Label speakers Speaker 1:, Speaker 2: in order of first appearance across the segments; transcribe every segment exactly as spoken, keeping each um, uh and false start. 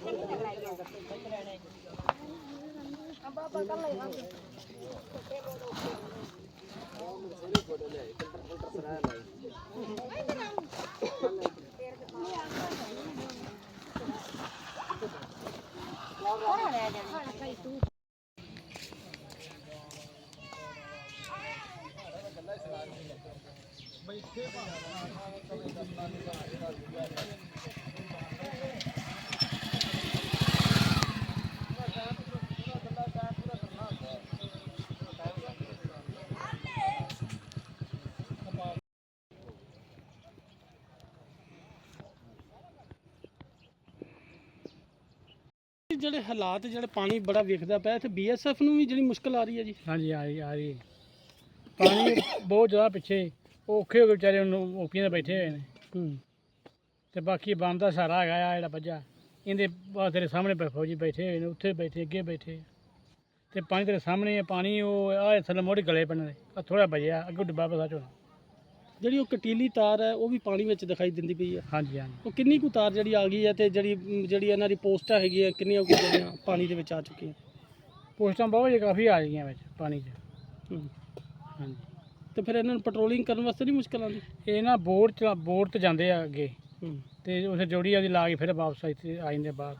Speaker 1: ਜਿਹੜੇ ਹਾਲਾਤ ਜਿਹੜੇ ਪਾਣੀ ਬੜਾ ਵੇਖਦਾ ਪਿਆ ਇੱਥੇ ਬੀਐਸਐਫ ਨੂੰ ਵੀ ਜਿਹੜੀ ਮੁਸ਼ਕਲ ਆ ਰਹੀ ਹੈ ਜੀ।
Speaker 2: ਹਾਂਜੀ ਆ ਰਹੀ ਆ ਰਹੀ ਪਾਣੀ ਬਹੁਤ ਜ਼ਿਆਦਾ ਪਿੱਛੇ ਉਹ ਔਖੇ ਹੋ ਕੇ ਵਿਚਾਰੇ ਉਹਨੂੰ ਓਪੀਆਂ 'ਤੇ ਬੈਠੇ ਹੋਏ ਨੇ।
Speaker 1: ਹੂੰ
Speaker 2: ਤੇ ਬਾਕੀ ਬੰਦ ਦਾ ਸਾਰਾ ਹੈਗਾ ਆ ਜਿਹੜਾ ਵੱਜਾ ਇਹਦੇ ਬਾਅਦ ਤੇਰੇ ਸਾਹਮਣੇ ਫੌਜੀ ਬੈਠੇ ਹੋਏ ਨੇ, ਉੱਥੇ ਬੈਠੇ ਅੱਗੇ ਬੈਠੇ ਤੇ ਪਾਣੀ ਤੇਰੇ ਸਾਹਮਣੇ ਹੈ। ਪਾਣੀ ਉਹ ਆ ਥੱਲੇ ਮੋੜੀ ਗਲੇ ਪੈਣੇ ਆ ਥੋੜ੍ਹਾ ਵੱਜਿਆ ਅੱਗੇ ਡੱਬਾ ਪਸਾ ਚੋਣਾ।
Speaker 1: ਜਿਹੜੀ ਉਹ ਕਟੀਲੀ ਤਾਰ ਹੈ ਉਹ ਵੀ ਪਾਣੀ ਵਿੱਚ ਦਿਖਾਈ ਦਿੰਦੀ ਪਈ ਹੈ।
Speaker 2: ਹਾਂਜੀ ਹਾਂਜੀ
Speaker 1: ਉਹ ਕਿੰਨੀ ਕੁ ਤਾਰ ਜਿਹੜੀ ਆ ਗਈ ਹੈ ਤੇ ਜਿਹੜੀ ਜਿਹੜੀ ਇਹਨਾਂ ਦੀ ਪੋਸਟਾਂ ਹੈਗੀਆਂ ਕਿੰਨੀਆਂ ਕੁ ਜਿਹੜੀਆਂ ਪਾਣੀ ਦੇ ਵਿੱਚ ਆ ਚੁੱਕੀਆਂ?
Speaker 2: ਪੋਸਟਾਂ ਬਹੁਤ ਜੇ ਕਾਫੀ ਆ ਗਈਆਂ ਵਿੱਚ ਪਾਣੀ 'ਚ।
Speaker 1: ਹੂੰ
Speaker 2: ਹਾਂਜੀ
Speaker 1: ਤੇ ਫਿਰ ਇਹਨਾਂ ਨੂੰ ਪੈਟਰੋਲਿੰਗ ਕਰਨ ਵਾਸਤੇ ਨਹੀਂ ਮੁਸ਼ਕਲ ਆਉਂਦੀ?
Speaker 2: ਇਹ ਨਾ ਬੋਰ 'ਚ ਬੋਰ 'ਤੇ ਜਾਂਦੇ ਆ ਅੱਗੇ
Speaker 1: ਹੂੰ
Speaker 2: ਤੇ ਉੱਥੇ ਜੋੜੀ ਆਦੀ ਲਾ ਕੇ ਫਿਰ ਵਾਪਸ ਇੱਥੇ ਆ ਜਾਂਦੇ ਬਾਹਰ।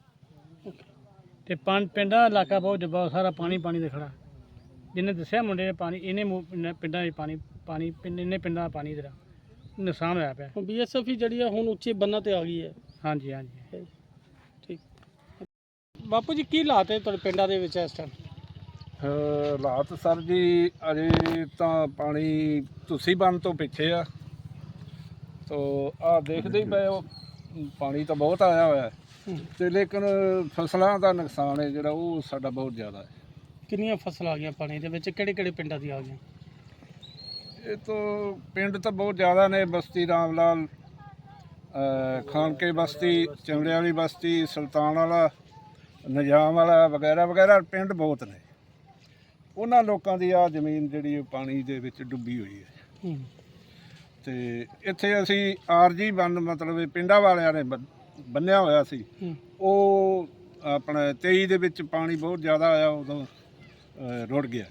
Speaker 2: ਤੇ ਪੰਜ ਪਿੰਡਾਂ ਦਾ ਇਲਾਕਾ ਬਹੁਤ ਬਹੁਤ ਸਾਰਾ ਪਾਣੀ ਪਾਣੀ ਦੇ ਖੜਾ। ਜਿਹਨੇ ਦੱਸਿਆ ਮੁੰਡੇ ਨੇ ਪਾਣੀ ਇਹਨੇ ਮੂੰਹ- ਪਿੰਡਾਂ 'ਚ ਪਾਣੀ ਪਾਣੀ ਪਿੰਡ ਇੰਨੇ ਪਿੰਡਾਂ ਦਾ ਪਾਣੀ ਦਾ ਨੁਕਸਾਨ ਹੋਇਆ ਪਿਆ।
Speaker 1: ਬੀਐਸਐਫ ਹੀ ਜਿਹੜੀ ਆ ਹੁਣ ਉੱਚੇ ਬੰਨਾਂ ਤੇ ਆ ਗਈ ਹੈ।
Speaker 2: ਹਾਂਜੀ ਹਾਂਜੀ
Speaker 1: ਠੀਕ ਬਾਪੂ ਜੀ, ਕੀ ਹਾਲਾਤ ਹੈ ਤੁਹਾਡੇ ਪਿੰਡਾਂ ਦੇ ਵਿੱਚ ਇਸ ਟਾਈਮ?
Speaker 3: ਹਾਲਾਤ ਸਰ ਜੀ ਅਜੇ ਤਾਂ ਪਾਣੀ ਤੁਸੀਂ ਬੰਨ ਤੋਂ ਪਿੱਛੇ ਆ ਤੋ ਆ ਦੇਖਦੇ ਹੀ ਪਏ ਹੋ ਪਾਣੀ ਤਾਂ ਬਹੁਤ ਆਇਆ ਹੋਇਆ ਤੇ ਲੇਕਿਨ ਫਸਲਾਂ ਦਾ ਨੁਕਸਾਨ ਹੈ ਜਿਹੜਾ ਉਹ ਸਾਡਾ ਬਹੁਤ ਜ਼ਿਆਦਾ ਹੈ।
Speaker 1: ਕਿੰਨੀਆਂ ਫਸਲਾਂ ਆ ਗਈਆਂ ਪਾਣੀ ਦੇ ਵਿੱਚ? ਕਿਹੜੇ ਕਿਹੜੇ ਪਿੰਡਾਂ ਦੀਆਂ ਆ ਗਈਆਂ?
Speaker 3: ਇਹ ਤੋਂ ਪਿੰਡ ਤਾਂ ਬਹੁਤ ਜ਼ਿਆਦਾ ਨੇ। ਬਸਤੀ ਰਾਮ ਲਾਲ, ਖਾਨਕੇ ਬਸਤੀ, ਚਮੜੇ ਵਾਲੀ ਬਸਤੀ, ਸੁਲਤਾਨ ਵਾਲਾ, ਨਿਜ਼ਾਮ ਵਾਲਾ ਵਗੈਰਾ ਵਗੈਰਾ ਪਿੰਡ ਬਹੁਤ ਨੇ। ਉਹਨਾਂ ਲੋਕਾਂ ਦੀ ਆ ਜ਼ਮੀਨ ਜਿਹੜੀ ਪਾਣੀ ਦੇ ਵਿੱਚ ਡੁੱਬੀ ਹੋਈ ਹੈ। ਤੇ ਇੱਥੇ ਅਸੀਂ ਆਰਜੀ ਬੰਨ ਮਤਲਬ ਪਿੰਡਾਂ ਵਾਲਿਆਂ ਨੇ ਬੰਨਿਆ ਹੋਇਆ ਸੀ। ਉਹ ਆਪਣਾ ਤੇਈ ਦੇ ਵਿੱਚ ਪਾਣੀ ਬਹੁਤ ਜ਼ਿਆਦਾ ਆਇਆ, ਉਦੋਂ ਰੁੜ ਗਿਆ।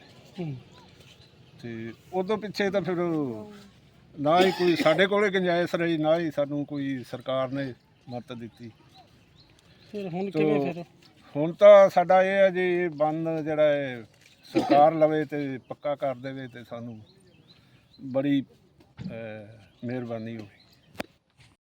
Speaker 3: ਤੇ ਉਦੋਂ ਪਿੱਛੇ ਤਾਂ ਫਿਰ ਨਾ ਹੀ ਕੋਈ ਸਾਡੇ ਕੋਲੇ ਗੁੰਜਾਇਸ਼ ਰਹੀ, ਨਾ ਹੀ ਸਾਨੂੰ ਕੋਈ ਸਰਕਾਰ ਨੇ ਮਦਦ ਦਿੱਤੀ।
Speaker 1: ਫਿਰ ਹੁਣ ਕਿਵੇਂ? ਫਿਰ
Speaker 3: ਹੁਣ ਤਾਂ ਸਾਡਾ ਇਹ ਹੈ ਜੀ ਬੰਨ ਜਿਹੜਾ ਹੈ ਸਰਕਾਰ ਲਵੇ ਤੇ ਪੱਕਾ ਕਰ ਦੇਵੇ ਤੇ ਸਾਨੂੰ ਬੜੀ ਮਿਹਰਬਾਨੀ ਹੋਵੇ।